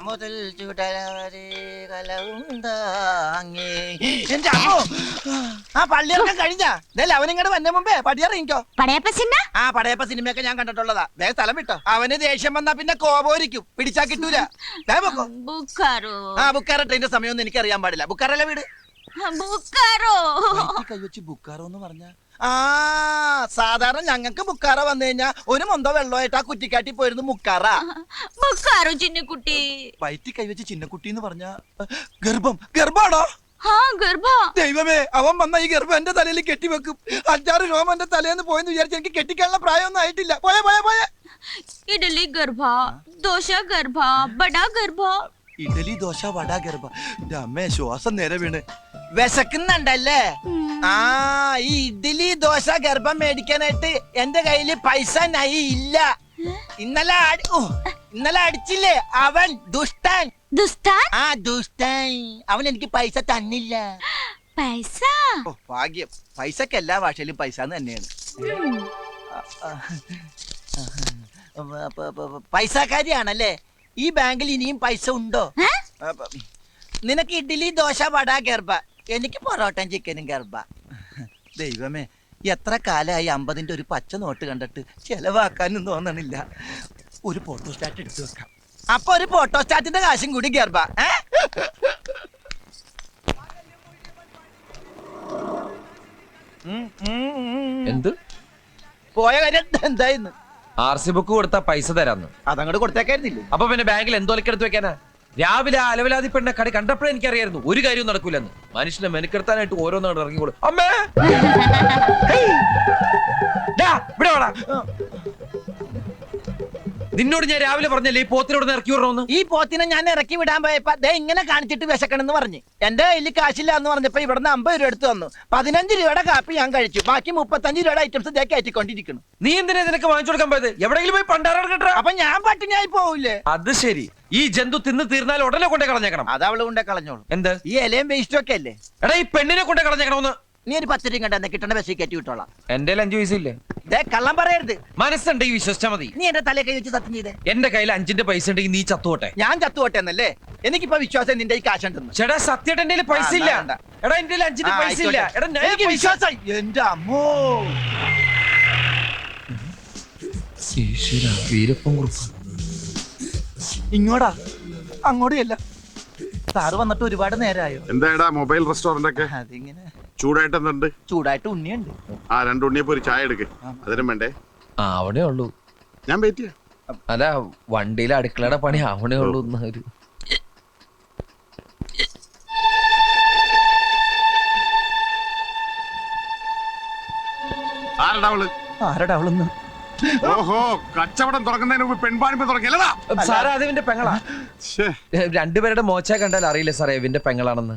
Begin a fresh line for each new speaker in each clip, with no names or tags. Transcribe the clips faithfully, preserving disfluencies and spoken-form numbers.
മുതൽ ചുടലവരെ കലവുണ്ടാങ്ങി. എന്റെ അമ്മോ, ആ പള്ളിയിറക്കം കഴിഞ്ഞാ ഇതല്ലേ അവനിങ്ങോട്ട് വന്ന മുമ്പേ പടിയിറങ്ങിക്കോ.
പടയപ്പ സിനിമ
ആ പടയപ്പ സിനിമയൊക്കെ ഞാൻ കണ്ടിട്ടുള്ളതാ. വേഗം സ്ഥലം വിട്ടോ. അവന് ദേഷ്യം വന്നാ പിന്നെ കോപോരിക്കും, പിടിച്ചാ കിട്ടൂല. വേഗം
ബുക്കാറോ.
ആ ബുക്കാറ ട്രെയിന്റെ സമയമൊന്നും എനിക്ക് അറിയാൻ പാടില്ല. ബുക്കാറല്ലേ വീട്?
ബുക്കാറോ
കൈവച്ച് ബുക്കാറോ എന്ന് പറഞ്ഞ ആ സാധാരണ ഞങ്ങൾക്ക് ബുക്കാറ വന്നു കഴിഞ്ഞാ ഒരു മൊന്തോ വെള്ളമായിട്ട് ആ കുറ്റിക്കാട്ടി പോയിരുന്നു മുക്കാറ.
ബുക്കാറോ ചിന്നക്കുട്ടി.
വയറ്റി കൈവച്ച് ചിന്നക്കുട്ടി എന്ന് പറഞ്ഞ ഗർഭം. ഗർഭാണോ? ദൈവമേ, അവൻ വന്ന ഈ ഗർഭം എന്റെ തലയിൽ കെട്ടിവെക്കും. അഞ്ചാറ് രോമം എന്റെ തലേന്ന് പോയെന്ന് വിചാരിച്ചു എനിക്ക് കെട്ടിക്കാനുള്ള പ്രായമൊന്നും ആയിട്ടില്ല. പോയ പോയ പോയ
ഇഡലി ഗർഭ, ദോശ ഗർഭ, ബടാ ഗർഭ.
ഇഡലി ദോശ വട ഗർഭ. എന്റെ അമ്മേ, ശ്വാസം നേരെ വീണ്. വിശക്കുന്നുണ്ടല്ലേ? ആ ഈ ഇഡലി ദോശ ഗർഭം മേടിക്കാനായിട്ട് എന്റെ കയ്യില് പൈസ നൈ ഇല്ല. ഇന്നലെ ഇന്നലെ അടിച്ചില്ലേ അവൻ ദുഷ്ടൻ.
ദുഷ്ടൻ?
ആ ദുഷ്ടൻ. അവൻ എനിക്ക് പൈസ തന്നില്ല.
പൈസ?
ഓ ഭാഗ്യം. പൈസക്ക് എല്ലാ ഭാഷയിലും പൈസ തന്നെയാണ്. പൈസക്കാരിയാണല്ലേ? ഈ ബാങ്കിൽ ഇനിയും പൈസ ഉണ്ടോ? നിനക്ക് ഇഡ്ഡലി ദോശ വട ഗർഭ, എനിക്ക് പൊറോട്ടയും ചിക്കനും ഗർഭ. ദൈവമേ, എത്ര കാലമായി അമ്പതിന്റെ ഒരു പച്ച നോട്ട് കണ്ടിട്ട് ചെലവാക്കാനും തോന്നണില്ല. ഒരു ഫോട്ടോസ്റ്റാറ്റ് എടുത്തു വെക്കാം. അപ്പൊ ഒരു ഫോട്ടോസ്റ്റാറ്റിന്റെ കാശും കൂടി ഗർഭ.
എന്ത്
പോയ കാര്യം എന്തായിരുന്നു?
ആർ സി ബുക്ക് കൊടുത്താ പൈസ തരാന്ന്.
അതങ്ങോട്ട് കൊടുത്തേക്കായിരുന്നില്ലേ?
അപ്പൊ പിന്നെ ബാങ്കിൽ എന്തോലക്കെടുത്ത് വെക്കാനാ? രാവിലെ അലവലാതി പെണ്ണ കടി കണ്ടപ്പോഴേ എനിക്കറിയായിരുന്നു ഒരു കാര്യവും നടക്കൂലെന്ന്. മനുഷ്യനെ മെനക്കെടുത്താനായിട്ട് ഓരോന്നാണ് ഇറങ്ങിക്കോളൂ. അമ്മേ, ഇവിടെ വാടാ. നിന്നോട് ഞാൻ രാവിലെ പറഞ്ഞല്ലേ ഈ പോത്തിനോട് ഇറക്കി വിടണമെന്ന്.
ഈ പോത്തിനെ ഞാൻ ഇറക്കി വിടാൻ പോയപ്പോ ദേ ഇങ്ങനെ കാണിച്ചിട്ട് വിശക്കണെന്ന് പറഞ്ഞു. എന്റെ കയ്യിൽ കാശില്ല എന്ന് പറഞ്ഞപ്പോ ഇവിടുന്ന് അമ്പത് രൂപ എടുത്ത് തന്നു. പതിനഞ്ച് രൂപയുടെ കാപ്പി ഞാൻ കഴിച്ചു. ബാക്കി മുപ്പത്തഞ്ച് രൂപയുടെ ഐറ്റംസ് ഇതേ കയറ്റിക്കൊണ്ടിരിക്കുന്നു.
നീ എന്തിനാ നിനക്ക് വാങ്ങിച്ചു കൊടുക്കാൻ പോയത്? എവിടെയെങ്കിലും പോയി പണ്ടാറ കേട്ടോ.
അപ്പൊ ഞാൻ പട്ടിണിയായി പോവില്ലേ?
അത് ശരി. ഈ ജന്തു തിന്ന് തീർന്നാൽ ഉടനെ കൊണ്ടേ കളഞ്ഞേക്കണം.
അത് അവള് കൊണ്ടേ കളഞ്ഞോളൂ.
എന്ത്?
ഈ ഇലയും വേസ്റ്റും ഒക്കെ അല്ലേ?
എടാ, ഈ പെണ്ണിനെ കൊണ്ടേ കളഞ്ഞേക്കണമെന്ന്.
നീ ഒരു പത്ത് രൂപ കണ്ടെന്ന് കിട്ടണ ബസ്സിൽ കയറ്റി വിട്ടോളാം.
എന്റെ അഞ്ചു പൈസ ഇല്ലേ?
കള്ളം പറയരുത്.
മനസ്സുണ്ടെങ്കിൽ വിശ്വസിച്ചാ മതി.
നീ എന്റെ തലേ കൈ വെച്ച് സത്യം ചെയ്തേ.
എന്റെ കയ്യിൽ അഞ്ചിന്റെ പൈസ ഉണ്ടെങ്കിൽ നീ ചത്തുപോട്ടെ.
ഞാൻ ചത്തുപോട്ടെ എന്നല്ലേ? എനിക്കിപ്പോ വിശ്വാസം നിന്റെ ഈ കാശുണ്ടെന്ന്.
ചേട്ടാ, സത്യമായിട്ട് എന്റെ പൈസ ഇല്ല. എടാ, എന്റെ അഞ്ചിന്റെ പൈസ ഇല്ല. എടാ,
എനിക്ക് വിശ്വാസം. എന്റെ അമ്മോ,
വീരപ്പൻ കുറുപ്പ്
ഇങ്ങോടാ, അങ്ങോട്ടും സാറ് വന്നിട്ട് ഒരുപാട് നേരമായോ?
എന്താ മൊബൈൽ റെസ്റ്റോറന്റ് ഒക്കെ
അതിങ്ങനെ
ചൂടായിട്ട് എന്തുണ്ട്?
ചൂടായിട്ട് ഉണ്ണിയുണ്ട്.
ആ രണ്ട് ഉണ്ണിയപ്പോ ഒരു ചായ എടുക്ക്. അതിനും വേണ്ടേ?
ആ, അവിടെ ഉള്ളൂ.
ഞാൻ വെയിറ്റ് ചെയ്യാം.
അല്ല, വണ്ടിയിലെ അടുക്കളയുടെ പണി അവിടെ ഉള്ളൂ. ഒരു
ആരടാ അവള്?
ആരടാ അവളൊന്ന്?
ഓഹോ, കച്ചവടം തുടങ്ങുന്നതിന് മുമ്പ് പെൺപാണിപ്പ് തുടങ്ങിയല്ലടാ
സാറേ. അത് ഇവന്റെ പെങ്ങളാ. രണ്ടുപേരുടെ മോച്ച കണ്ടാൽ അറിയില്ല സാറേ ഇവന്റെ പെങ്ങളാണെന്ന്.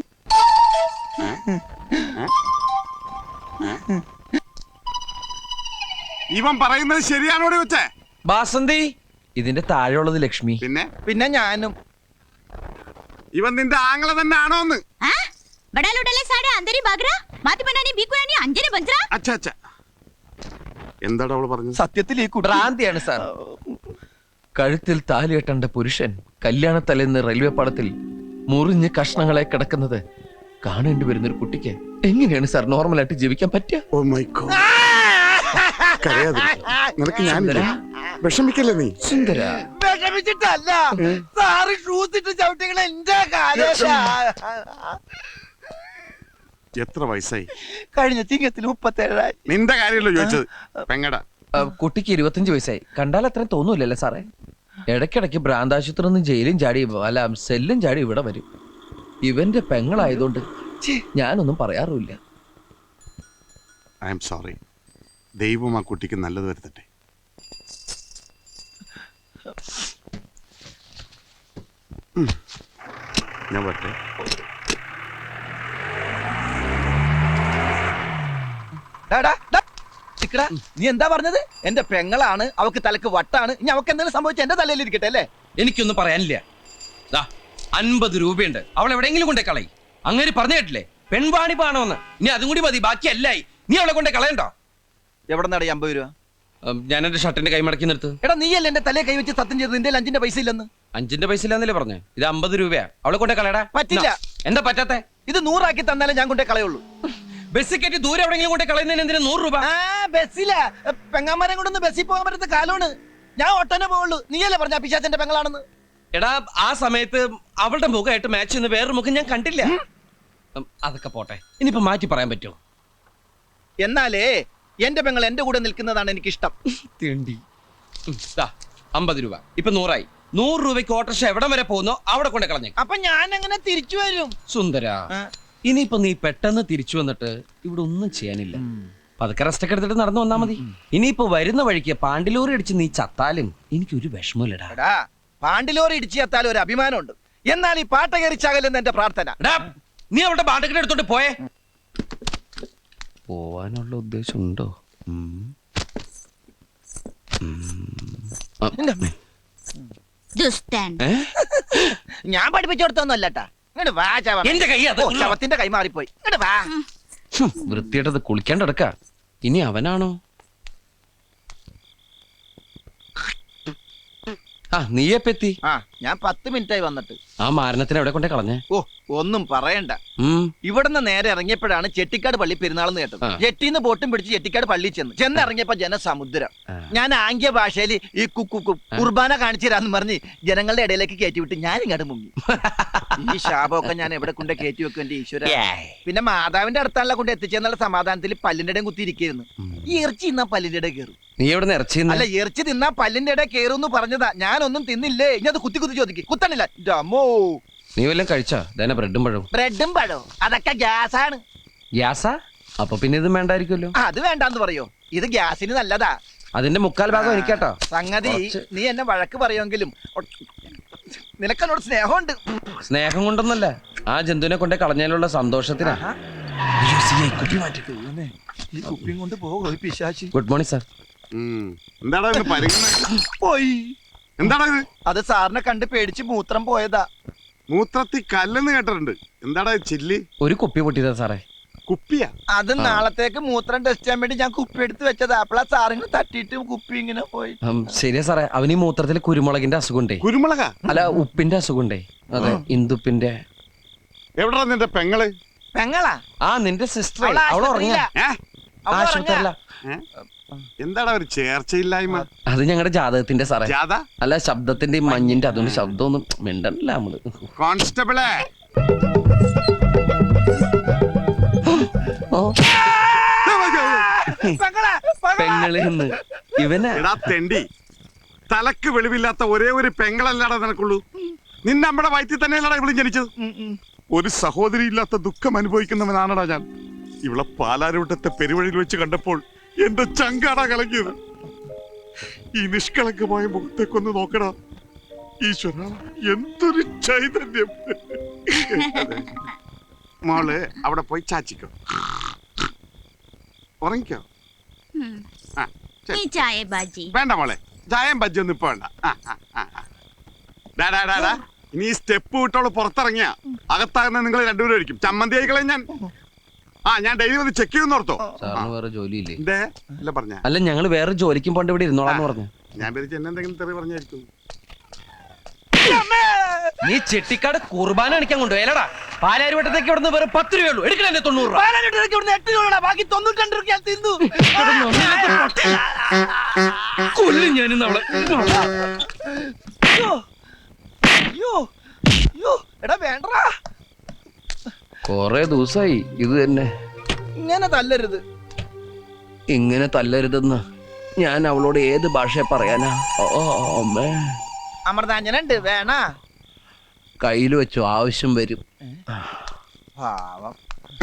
ഇവൻ പറയുന്നത് ശരിയാണോടി വെച്ചേ?
ബാസന്തി, ഇതിന്റെ താഴെയുള്ളത് ലക്ഷ്മി.
പിന്നെ
പിന്നെ ഞാനും.
ഇവൻ നിന്റെ ആങ്ങളെ തന്നെ ആണോന്ന്? എന്താടാ അവള് പറഞ്ഞത്?
സത്യത്തിൽ ഈ
ഭ്രാന്തിയാണ് സാർ. കഴുത്തിൽ താലി കെട്ടേണ്ട പുരുഷൻ കല്യാണത്തലേന്ന് റെയിൽവേ പാളത്തിൽ മുറിഞ്ഞ് കഷ്ണങ്ങളെ കിടക്കുന്നത് കാണേണ്ടി വരുന്ന ഒരു കുട്ടിക്ക് എങ്ങനെയാണ് സാർ നോർമലായിട്ട് ജീവിക്കാൻ പറ്റുക?
Oh my god. നിനക്ക് ഞാൻ വിഷമിക്കല്ലേ നീ?
സുന്ദര,
വിഷമിച്ചിട്ടല്ല സാറ് ഷൂസ് ഇട്ട് ചവിട്ടികൾ എന്റെ കാലം.
എത്ര വയസ്സായി?
കഴിഞ്ഞ ചിങ്ങത്തിൽ മുപ്പത്തേഴായി.
നിന്റെ കാര്യമല്ലോ ചോദിച്ചത്. പെങ്ങടാ.
കുട്ടിക്ക് ഇരുപത്തഞ്ച് വയസ്സായി. കണ്ടാൽ അത്രയും തോന്നൂലല്ലേ സാറേ? ഇടയ്ക്കിടയ്ക്ക് ഭ്രാന്താശുപത്രി നിന്ന് ജയിലും ചാടി അല്ല സെല്ലും ചാടി ഇവിടെ വരും. ഇവന്റെ പെങ്ങളായതുകൊണ്ട് ഞാനൊന്നും പറയാറുമില്ല.
I am sorry. ദൈവം ആ കുട്ടിക്ക് നല്ലത് വരുത്തട്ടെ. ഞാൻ വരട്ടെ.
നീ എന്താ പറഞ്ഞത്? എന്റെ പെങ്ങളാണ്, അവക്ക് തലക്ക് വട്ടാണ്. ഇനി അവക്ക് എന്തെങ്കിലും സംഭവിച്ച എന്റെ തലയിൽ ഇരിക്കട്ടെ അല്ലേ?
എനിക്കൊന്നും പറയാനില്ല. അൻപത് രൂപയുണ്ട്, അവൾ എവിടെയെങ്കിലും കൊണ്ടേ കളയി. അങ്ങനെ പറഞ്ഞു കേട്ടില്ലേ, പെൺവാണി പാണോന്ന്. ഇനി അതും കൂടി മതി, ബാക്കി അല്ലായി. നീ അവളെ കൊണ്ടേ കളയണ്ടോ?
എവിടെ നടി അമ്പത് രൂപ?
ഞാൻ എന്റെ ഷർട്ടിന്റെ കൈ മടക്കി നിർത്ത്.
എടാ, നീയല്ലേ എന്റെ തലയെ കൈ വെച്ച് സത്യം ചെയ്ത് നിന്റെ അഞ്ചിന്റെ പൈസ ഇല്ലെന്ന്?
അഞ്ചിന്റെ പൈസ ഇല്ലാന്നല്ലേ പറഞ്ഞേ? ഇത് അമ്പത് രൂപയാ. അവളെ കൊണ്ടേ കളയടാ.
പറ്റില്ല.
എന്താ പറ്റാത്തെ?
ഇത് നൂറാക്കി തന്നാലേ ഞാൻ കൊണ്ടേ കളയുള്ളൂ.
ബസ് കയറ്റി ദൂരെ എവിടെയെങ്കിലും കൊണ്ടേ കളയുന്നതിന് എന്തിനാ നൂറ് രൂപ?
ആ ബസ്സില പെങ്ങാമരം കൊണ്ടൊന്ന് ബസ്സിൽ പോകാൻ പറ്റുന്ന കാലമാണ്. ഞാൻ ഒട്ടനെ പോവുള്ളൂ. നീയല്ലേ പറഞ്ഞ പിശാചന്റെ പെങ്ങളാണെന്ന്?
എടാ ആ സമയത്ത് അവളുടെ മുഖമായിട്ട് മാച്ച് ചെയ്യുന്ന വേറൊരു മുഖം ഞാൻ കണ്ടില്ല. ഉം, അതൊക്കെ പോട്ടെ. ഇനിയിപ്പോ മാറ്റി പറയാൻ പറ്റുമോ?
എന്നാലേ എന്റെ പെങ്ങൾ എന്റെ കൂടെ നിൽക്കുന്നതാണ് എനിക്കിഷ്ടം.
തേണ്ടി അമ്പത് രൂപ ഇപ്പൊ നൂറായി. നൂറ് രൂപയ്ക്ക് ഓട്ടർഷ എവിടം വരെ പോകുന്നോ അവിടെ കൊണ്ടേ കളഞ്ഞേ.
അപ്പൊ ഞാൻ എങ്ങനെ തിരിച്ചു വരും?
സുന്ദര, ഇനിയിപ്പോ നീ പെട്ടെന്ന് തിരിച്ചു വന്നിട്ട് ഇവിടെ ഒന്നും ചെയ്യാനില്ല. പതുക്കെ റെസ്റ്റ് ഒക്കെ എടുത്തിട്ട് നടന്നു വന്നാ മതി. ഇനിയിപ്പോ വരുന്ന വഴിക്ക് പാണ്ടിലൂറി അടിച്ച് നീ ചത്താലും എനിക്കൊരു വിഷമമില്ലടാ.
എടാ പാണ്ടിലോറി ഇടിച്ചു എത്താലും ഒരു അഭിമാനമുണ്ട്. എന്നാൽ ഈ പാട്ട കയറിച്ചാകലെന്ന് എന്റെ പ്രാർത്ഥന.
എടാ, നീ അവളുടെ പാണ്ടക്കെട്ട് എടുത്തോണ്ട് പോയേ. പോവാനുള്ള ഉദ്ദേശം ഉണ്ടോ?
ദുഷ്ടൻ.
ഞാൻ പഠിപ്പിച്ചു കൊടുത്തൊന്നുമല്ലട്ടാ. ഇങ്ങോട്ട് വാ ചവ.
എന്റെ കൈ അത്.
ഓ, ശവത്തിന്റെ കൈ മാറിപ്പോയി. ഇങ്ങോട്ട് വാ.
വൃത്തിയായിട്ടത് കുളിക്കാണ്ട് കിടക്ക. ഇനി അവനാണോ? ആ നീയെപ്പെത്തി?
ആ ഞാൻ പത്ത് മിനിറ്റായി വന്നിട്ട്.
ആ മാരണത്തിന് എവിടെ കൊണ്ടേ കളഞ്ഞേ?
ഓ ഒന്നും പറയണ്ട.
ഉം
ഇവിടുന്ന് നേരെ ഇറങ്ങിയപ്പോഴാണ് ചെട്ടിക്കാട് പള്ളി പെരുന്നാളെന്ന് കേട്ടത്.
ആ.
ജെട്ടിന്ന് ബോട്ടും പിടിച്ച് ചെട്ടിക്കാട് പള്ളി ചെന്ന് ചെന്നിറങ്ങിയപ്പോ ജനസമുദ്രം.
ആ.
ഞാൻ ആംഗ്യ ഭാഷയിൽ ഈ കുക്കു കുർബാന കാണിച്ചു തരാന്ന് പറഞ്ഞ് ജനങ്ങളുടെ ഇടയിലേക്ക് കയറ്റി വിട്ട് ഞാൻ ഇങ്ങോട്ട് മുങ്ങി. ഈ ശാപമൊക്കെ ഞാൻ എവിടെ കൊണ്ട് കയറ്റി വെക്കും എന്റെ ഈശ്വര. പിന്നെ മാതാവിന്റെ അടുത്താണല്ലോ കൊണ്ട് എത്തിച്ചെന്നുള്ള സമാധാനത്തിൽ പല്ലിന്റെ ഇടയും കുത്തിയിരിക്കുന്നു. ഈ ഇറച്ചി തിന്നാ പല്ലിന്റെ ഇടയിൽ കയറും.
നീ എവിടെ ഇറച്ചി?
അല്ല ഇറച്ചി തിന്നാ പല്ലിന്റെ ഇടയിൽ കയറും പറഞ്ഞതാ. ഞാനൊന്നും തിന്നില്ലേ. ഇനി അത് കുത്തി കുത്തി ചോദിക്കും. കുത്തണില്ല. അമ്മോ
നീ വല്ലതും കഴിച്ചോ? ഇതന്നെ ബ്രെഡും പഴവും.
ബ്രെഡും പഴവും അതൊക്കെ ഗ്യാസാണ്.
ഗ്യാസാ? അപ്പൊ പിന്നെ ഇതും വേണ്ടായിരിക്കുമല്ലോ.
അത് വേണ്ടാന്ന് പറയോ? ഇത് ഗ്യാസിന് നല്ലതാ.
അതിന്റെ മുക്കാൽ ഭാഗം എനിക്കാട്ടോ.
സംഗതി
കുറച്ച്.
നീ എന്നെ വഴക്ക് പറയുമെങ്കിലും നിനക്കെന്നോട് സ്നേഹമുണ്ട്.
സ്നേഹം കൊണ്ടൊന്നല്ല, ആ ജന്തുവിനെ കൊണ്ടേ കളഞ്ഞാലുള്ള സന്തോഷത്തിനാ.
ഈ കുപ്പിയും കൊണ്ട് പോകും പിശാചി.
Good morning sir.
ഉം. എന്താടാ ഇത് പരിഗണന?
പോയി.
എന്താടാ ഇത്?
അത് സാറിനെ കണ്ട് പേടിച്ച് മൂത്രം പോയതാ.
മൂത്രത്തി കല്ലെന്ന് കേട്ടിട്ടുണ്ട്. എന്താടാ ഇത് ചില്ലി?
ഒരു കുപ്പി പൊട്ടിയതാ സാറേ.
കുപ്പിയാ?
അത് നാളത്തേക്ക് മൂത്രം ടെസ്റ്റ് ചെയ്യാൻ വേണ്ടി ഞാൻ കുപ്പി എടുത്ത് വെച്ചതാ. അപ്പളാ സാറിന് തട്ടിയിട്ട് കുപ്പി ഇങ്ങനെ പോയി.
ഉം, ശരിയാ സാറേ. അവന് ഈ മൂത്രത്തിൽ കുരുമുളകിന്റെ അസുഖമുണ്ടേ.
കുരുമുളകാ?
അല്ല, ഉപ്പിന്റെ അസുഖമുണ്ടേ. അതെ, ഇന്ദുപ്പിന്റെ.
എവിടാ നിന്റെ പെങ്ങള്?
പെങ്ങളാ?
ആ നിന്റെ സിസ്റ്റർ.
അവള്
അവള് ഉറങ്ങിയ
ആശുപത്രിയിലാ.
ഏ?
അവള്
ആശുപത്രിയല്ല.
ഏ? എന്താടാ ഒരു ചേർച്ചയില്ലായ്മ?
അത് ഞങ്ങളുടെ ജാതകത്തിന്റെ സാറേ.
ജാഥ?
അല്ല, ശബ്ദത്തിന്റെ ഈ മഞ്ഞിന്റെ അതുകൊണ്ട് ശബ്ദമൊന്നും മിണ്ടല്ല നമ്മള്.
കോൺസ്റ്റബിളെ
ഓ,
പെങ്ങളാ, പെങ്ങളാ.
പെങ്ങള് എന്ന് ഇവനെ.
എടാ തെണ്ടി, തലക്ക് വെളിവില്ലാത്ത ഒരേ ഒരു പെങ്ങളല്ലാടാ നിനക്കുള്ളൂ. നിന്നെ നമ്മുടെ വയറ്റിൽ തന്നെയല്ലടാ ഇവളും ജനിച്ചത്.
ഉം, ഉം.
ഒരു സഹോദരി ഇല്ലാത്ത ദുഃഖം അനുഭവിക്കുന്നവനാണടാ ഞാൻ. ഇവളെ പാലാരൂട്ടത്തെ പെരുവഴിയിൽ വെച്ച് കണ്ടപ്പോൾ എന്റെ ചങ്കാടാ കലങ്ങിയത്. ഈ നിഷ്കളങ്കമായ മുഖത്തേക്കൊന്ന് നോക്കടാ. ഈശ്വര, എന്തൊരു ചൈതന്യം. അതെ. മോള് അവിടെ പോയി ചാച്ചിക്കോ, ഉറങ്ങിക്കോ.
ഉം.
ആ, ശരി.
ഈ ചായ ബാജി.
വേണ്ട മോളെ, ചായം ബജ്ജൊന്നും ഇപ്പൊ വേണ്ട. ആ, ആ, ആ, ആ. ഡാ, ഡാ, ഡാ, ഡാ. ഇനി ഈ സ്റ്റെപ്പ് വിട്ടോളൂ പുറത്തിറങ്ങിയ അകത്താകുന്ന നിങ്ങൾ രണ്ടുപേരും ആയിരിക്കും. ചമ്മന്തി ആയിക്കളെ ഞാൻ. ആ ഞാൻ ഡെയിലി വന്ന് ചെക്ക് ചെയ്യുന്ന ഓർത്തോ.
സാറിന് വേറെ ജോലിയില്ലേ?
എന്തേ അല്ല പറഞ്ഞ?
അല്ല, ഞങ്ങള് വേറെ ജോലിക്കും പോണ്ട് ഇവിടെ ഇരുന്നോളാന്ന് പറഞ്ഞു.
ഞാൻ പേരിച്ച് എന്നെ എന്തെങ്കിലും തെറി പറഞ്ഞായിരിക്കും.
നീ ചെട്ടിക്കാട് കുർബാന കാണിക്കാൻ കൊണ്ടുപോയല്ലടാ. പാലാരിവട്ടത്തേക്ക് ഇവിടുന്ന് വേറെ പത്ത് രൂപയുള്ളൂ. എടുക്കണേ തൊണ്ണൂറ് രൂപ.
പാലാരിവട്ടത്തേക്ക് ഇവിടുന്ന് എട്ട് രൂപ, ബാക്കി തൊണ്ണൂറ്റി രൂപ ഞാൻ തിന്നു.
കൊല്ലും ഞാനിന്ന് അവളെ.
അയ്യോ, അയ്യോ, അയ്യോ, എടാ വേണ്ടടാ.
കൊറേ ദിവസമായി ഇത് തന്നെ.
ഇങ്ങനെ തല്ലരുത്.
ഇങ്ങനെ തല്ലരുതെന്ന് ഞാൻ അവളോട് ഏത് ഭാഷയെ പറയാനാ? ഓ അമ്മേ,
അമൃതാഞ്ജനുണ്ട് വേണ.
കയ്യിൽ വെച്ചു, ആവശ്യം വരും.
പാവം.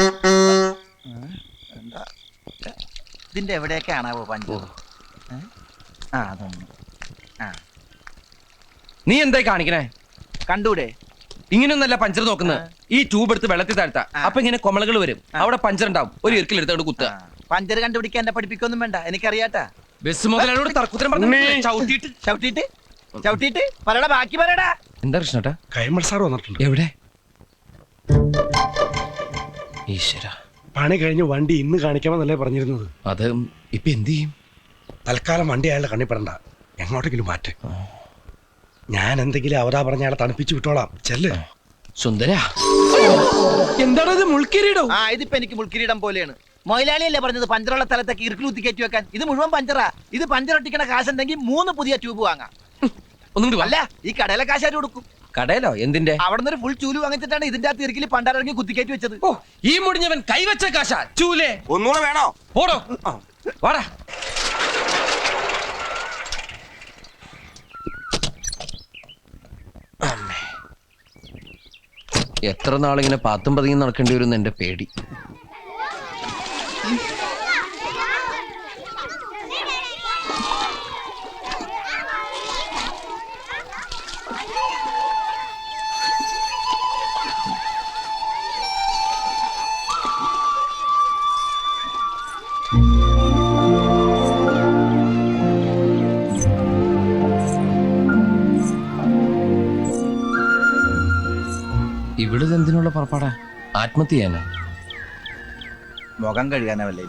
എന്താ ഇതിന്റെ എവിടെയൊക്കെ ആണാവോ പഞ്ചു? ആ അതൊന്നും ആ
നീ എന്തായി കാണിക്കണേ?
കണ്ടൂടെ?
ഇങ്ങനെയൊന്നല്ല പഞ്ചർ നോക്കുന്നത്. ഈ ട്യൂബ് എടുത്ത് വെള്ളത്തിൽ താഴ്ത്താ.
ആ.
അപ്പൊ ഇങ്ങനെ കൊമളകൾ വരും. അവിടെ പഞ്ചർ ഉണ്ടാവും. ഒരു ഇറുക്കിൽ എടുത്തോണ്ട് കുത്തുക.
പഞ്ചർ കണ്ടുപിടിക്കാൻ എന്നെ പഠിപ്പിക്കൊന്നും വേണ്ട, എനിക്കറിയാട്ടാ.
ബസ് മുതലോട് തർക്കുത്തരം പറഞ്ഞു ചവിട്ടിയിട്ട്
ചവിട്ടിട്ട് ചവിട്ടിട്ട് പറയടാ, ബാക്കി പറയടാ.
എന്താ കൃഷ്ണട്ടാ?
കൈമൾ സാർ വന്നിട്ടുണ്ട്.
എവിടെ? ഈശ്വര,
പണി കഴിഞ്ഞ് വണ്ടി ഇന്ന് കാണിക്കാമെന്നല്ലേ പറഞ്ഞിരുന്നത്.
അത് ഇപ്പൊ എന്ത് ചെയ്യും?
തൽക്കാലം വണ്ടി അയാളുടെ കണ്ണിപ്പെടണ്ട, എങ്ങോട്ടെങ്കിലും മാറ്റേ. ഞാൻ എന്തെങ്കിലും അവതാ പറഞ്ഞ ആളെ തണുപ്പിച്ചു വിട്ടോളാം ചെല്ല്.
സുന്ദര എന്താണത് മുൾക്കിരീടോ?
ആ ഇതിപ്പോ എനിക്ക് മുൾക്കിരീടം പോലെയാണ്. മൊയിലാളിയല്ലേ പറഞ്ഞത് പഞ്ചറുള്ള സ്ഥലത്തേക്ക് ഇറുക്കിലൂത്തി കയറ്റി വെക്കാൻ. ഇത് മുഴുവൻ പഞ്ചറാ. ഇത് പഞ്ചറൊട്ടിക്കണ കാശുണ്ടെങ്കിൽ മൂന്ന് പുതിയ ട്യൂബ് വാങ്ങാം.
ഒന്നും
അല്ല ഈ കടയിലെ കാശാര് കൊടുക്കും.
കടയിലോ എന്തിന്റെ?
അവിടെ നിന്ന് ഒരു ഫുൾ ചൂല് വാങ്ങിച്ചിട്ടാണ് ഇതിന്റെ ആ തിരക്കിൽ പണ്ടാറിറങ്ങി കുത്തിക്കയറ്റി വെച്ചത്.
ഓ ഈ മുടിഞ്ഞവൻ കൈവച്ച കാശ ചൂലേ.
ഒന്നുകൂടെ വേണോ?
ഓടോ വാടാ.
എത്ര നാളിങ്ങനെ പാത്തും പതിയും നടക്കേണ്ടി വരും എന്റെ പേടി. ഇവിടുന്ന് എന്തിനുള്ള പുറപ്പാടാ? ആത്മഹത്യ ചെയ്യാനാ?
മുഖം കഴുകാനല്ലേ?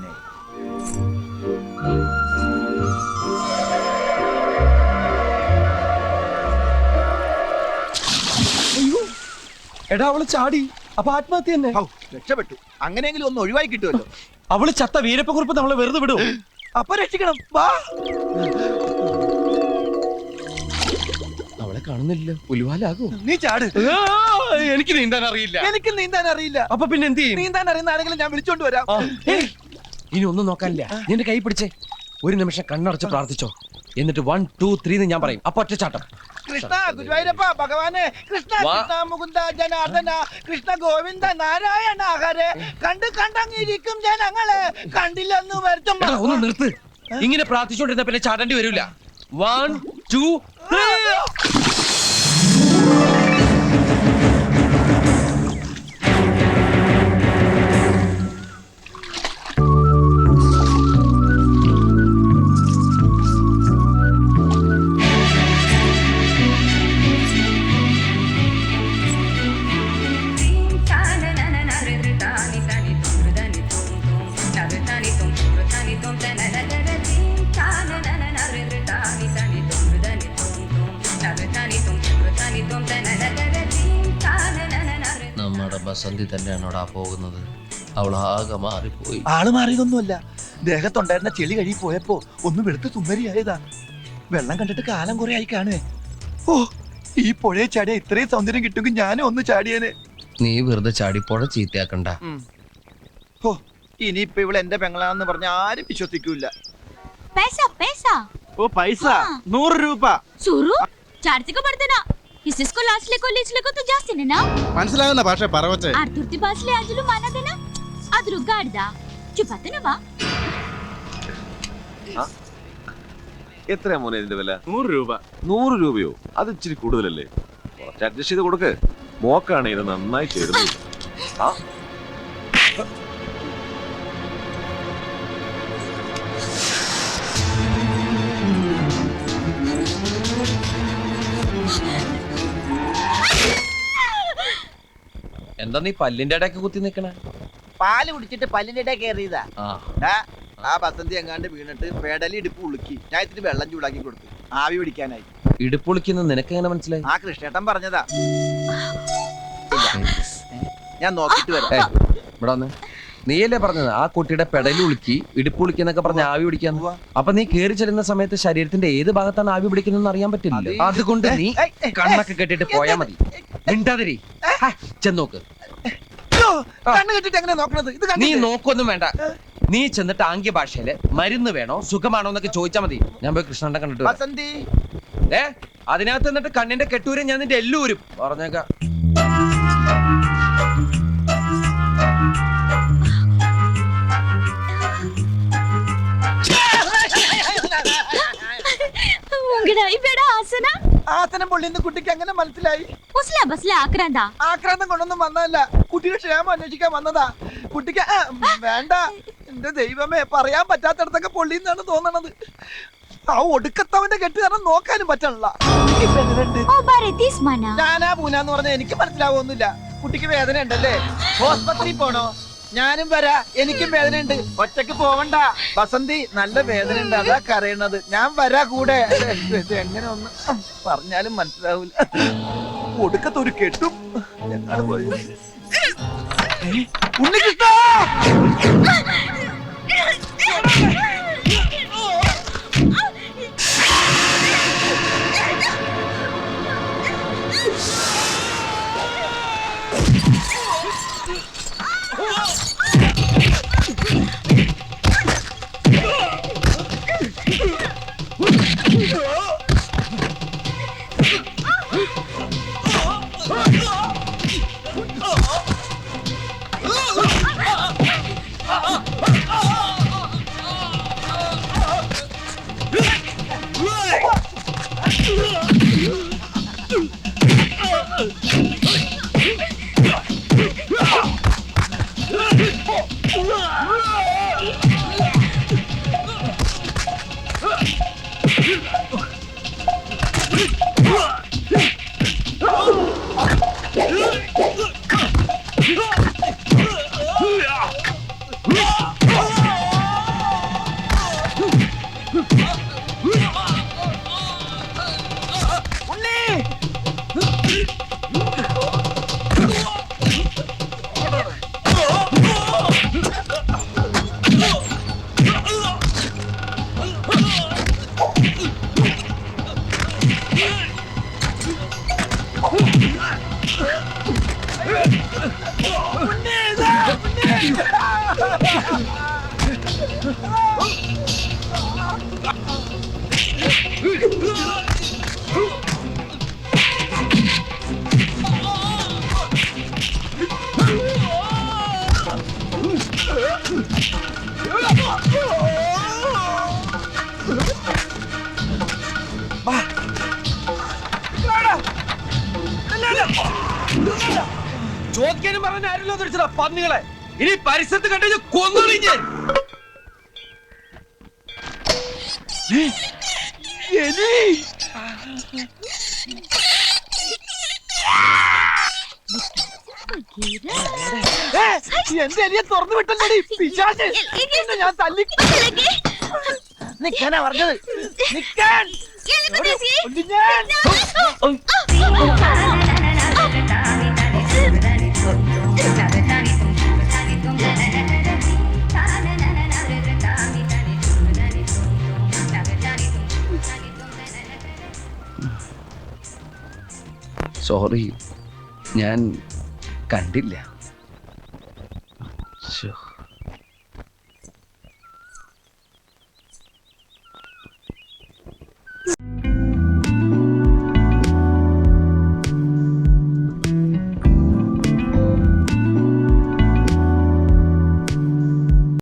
എടാ അവള് ചാടി. അപ്പൊ ആത്മഹത്യ തന്നെ.
രക്ഷപ്പെട്ടു. അങ്ങനെയെങ്കിലും ഒന്ന് ഒഴിവായി കിട്ടുമല്ലോ.
അവള് ചത്ത വീരപ്പക്കുറിപ്പ് നമ്മളെ വെറുതെ വിടും.
അപ്പൊ രക്ഷിക്കണം. വാ.
അവളെ കാണുന്നില്ല. ഉലുവാലാകോ?
നീ ചാട്.
എനിക്ക് നീന്താൻ അറിയില്ല.
എനിക്ക് നീന്താൻ അറിയില്ല.
അപ്പൊ പിന്നെ എന്ത് ചെയ്യും?
നീന്താൻ അറിയുന്ന ആരെങ്കിലും ഞാൻ വിളിച്ചോണ്ട് വരാം.
ഏയ്, ഇനി ഒന്നും നോക്കാനില്ല. നിന്റെ കൈ പിടിച്ചേ ഒരു നിമിഷം കണ്ണടച്ച് പ്രാർത്ഥിച്ചോ. എന്നിട്ട് വൺ ടു ത്രീ ഞാൻ പറയും. അപ്പൊ ഒറ്റച്ചാട്ടം.
കൃഷ്ണ ഗുരുവായൂരപ്പ ഭഗവാനെ, കൃഷ്ണ
വാ.
കൃഷ്ണ മുകുന്ദ ജനാർദ്ദന, കൃഷ്ണ ഗോവിന്ദ നാരായണ ഹരേ. കണ്ട് കണ്ടങ്ങിരിക്കും ജനങ്ങളെ, കണ്ടില്ലെന്ന് വരുത്തും.
എടാ, ഒന്ന് നിർത്ത്. ഇങ്ങനെ പ്രാർത്ഥിച്ചോണ്ടിരുന്ന പിന്നെ ചാടേണ്ടി വരില്ല. വൺ ടു
നമ്മുടെ ബസന്തി തന്നെയാണോടാ പോകുന്നത്? അവൾ ആകെ മാറിപ്പോയി.
ആള് മാറിയതൊന്നുമല്ല. ദേഹത്തുണ്ടായിരുന്ന ചെളി കഴുകി പോയപ്പോ ഒന്ന് വെളുത്ത് സുന്ദരിയായതാ. വെള്ളം കണ്ടിട്ട് കാലം കുറെ ആയി കാണുവേ. ഓ ഈ പുഴയെ ചാടിയ ഇത്രയും സൗന്ദര്യം കിട്ടുമെങ്കിൽ ഞാനും ഒന്ന് ചാടിയേനെ.
നീ വെറുതെ ചാടിപ്പോഴ ചീത്തയാക്കണ്ട.
ഓ ഇനിയിപ്പൊ ഇവള് എന്റെ പെങ്ങളാന്ന് പറഞ്ഞ ആരും വിശ്വസിക്കൂല.
पैसा पैसा
ഓ പൈസ നൂറ് രൂപ.
सुरू चार्ज का पड़ते ना इसको लास्ट ले को लीच ले को तो जास्ती ने ना
മനസ്സിലാകുന്ന ഭാഷ പറവച്ചേ.
आरतुर्ती पास ले आजलू माना देना आदरू गाड़दा चुपाते ना वा
എത്രയാ മോനെ ഇതിന്റെ വില?
നൂറ് രൂപ.
നൂറ് രൂപയോ? അത് ഇച്ചിരി കൂടുതലല്ലേ? കുറച്ച് അഡ്ജസ്റ്റ് ചെയ്ത് കൊടുക്ക്. മോക്കാണ് ഇത് നന്നായി ചേരുന്നത്. ആ
എന്താ നീ പല്ലിന്റെ ഇടയ്ക്ക് കുത്തി നിക്കണേ?
പാല് കുടിച്ചിട്ട് പല്ലിന്റെ ഇടയിൽ കയറിയതാ.
ആ
ദാ, ആ ബസന്തി എങ്ങാണ്ട് വീണിട്ട് പെടലി ഇടുപ്പ് ഉളുക്കി. ഞാൻ ഇത്തിരി വെള്ളം ചൂടാക്കി കൊടുത്തു ആവി പിടിക്കാനായി.
ഇടുപ്പൊളിക്കുന്ന നിനക്ക് എങ്ങനെ മനസ്സിലായി?
ആ കൃഷ്ണേട്ടൻ പറഞ്ഞതാ. ഞാൻ നോക്കിട്ട് വരാം.
ഏയ്, ഇവിടെ വന്ന്. നീയല്ലേ പറഞ്ഞത് ആ കുട്ടിയുടെ പെടലി ഉളുക്കി ഇടുപ്പുളിക്കുന്നൊക്കെ പറഞ്ഞ് ആവി പിടിക്കാന്ന്?
ഉവ്വ.
അപ്പൊ നീ കേറി ചെല്ലുന്ന സമയത്ത് ശരീരത്തിന്റെ ഏത് ഭാഗത്താണ് ആവി പിടിക്കുന്നതെന്ന് അറിയാൻ പറ്റില്ല.
അത്
അതുകൊണ്ട് നീ
ഏയ്, ഏയ്,
കണ്ണൊക്കെ കെട്ടിട്ട് പോയാ മതി. മിണ്ടാതിരി. ഹാ, ചെന്നോക്ക്.
അയ്യോ, കണ്ണ് കെട്ടിട്ട് എങ്ങനെ നോക്കണത്? ഇത്
നീ
കണ്ടില്ലേ?
നോക്കൊന്നും വേണ്ട. നീ ചെന്നിട്ട് ആംഗ്യ ഭാഷയില് മരുന്ന് വേണോ സുഖമാണോ എന്നൊക്കെ ചോദിച്ചാ മതി. ഞാൻ പോയി കൃഷ്ണന്റെ കണ്ടിട്ട് വരാം.
ബസന്തി
ഏ അതിനകത്ത് എന്നിട്ട് കണ്ണിന്റെ കെട്ടൂരും ഞാൻ നിന്റെ എല്ലൂരും പറഞ്ഞേക്കാം.
उंगड़ा ही बेड़ा आसना
ആസനം പൊള്ളിന്ന് കുട്ടിക്ക് എങ്ങനെ മനസ്സിലായി?
उसला बसला आक्रांदा
ആക്രാന്തം കൊണ്ടൊന്നും വന്നതല്ല. കുട്ടിയുടെ ക്ഷേമം അന്വേഷിക്കാൻ വന്നതാ. കുട്ടിക്ക് ആ, വേണ്ട എന്റെ ദൈവമേ, പറയാൻ പറ്റാത്തടത്തൊക്കെ പൊള്ളിന്നാണ് തോന്നണത്. ആ ഒടുക്കത്തവന്റെ കെട്ട് കാരണം നോക്കാനും പറ്റണില്ല. ഇപ്പൊ എങ്ങനെയുണ്ട്?
ओ बारे तीस माना
ഞാനാ പൂനാന്ന് പറഞ്ഞ എനിക്ക് മനസ്സിലാവൊന്നുമില്ല. കുട്ടിക്ക് വേദന ഉണ്ടല്ലേ? ഹോസ്പിറ്റലിൽ പോണോ? ഞാനും വരാ, എനിക്കും വേദന ഉണ്ട്. ഒറ്റക്ക് പോവണ്ട ബസന്തി, നല്ല വേദന ഉണ്ട്, അതാ കരയണത്. ഞാൻ വരാ കൂടെ. ഇത് എങ്ങനെ ഒന്ന് പറഞ്ഞാലും മനസ്സിലാവൂല. ഒടുക്കത്തൊരു കെട്ടും എന്നാണ് പോയത്. ഉണ്ണികൃഷ്ണ
ചോദിക്കാനും പറഞ്ഞ ആരല്ലോ തിരിച്ചതാ പന്നികളെ. ഇനി പരിസരത്ത് കണ്ടു കൊന്നോളി ഞാൻ.
എന്റെ എലിയെ തുറന്നു വിട്ടല്ലേ പിശാച്. നിന്നെ ഞാൻ തല്ലി നിക്കാനാ പറഞ്ഞത്. നിക്കാൻ ഒന്ന് ഞാൻ.
സോറി, ഞാൻ കണ്ടില്ല.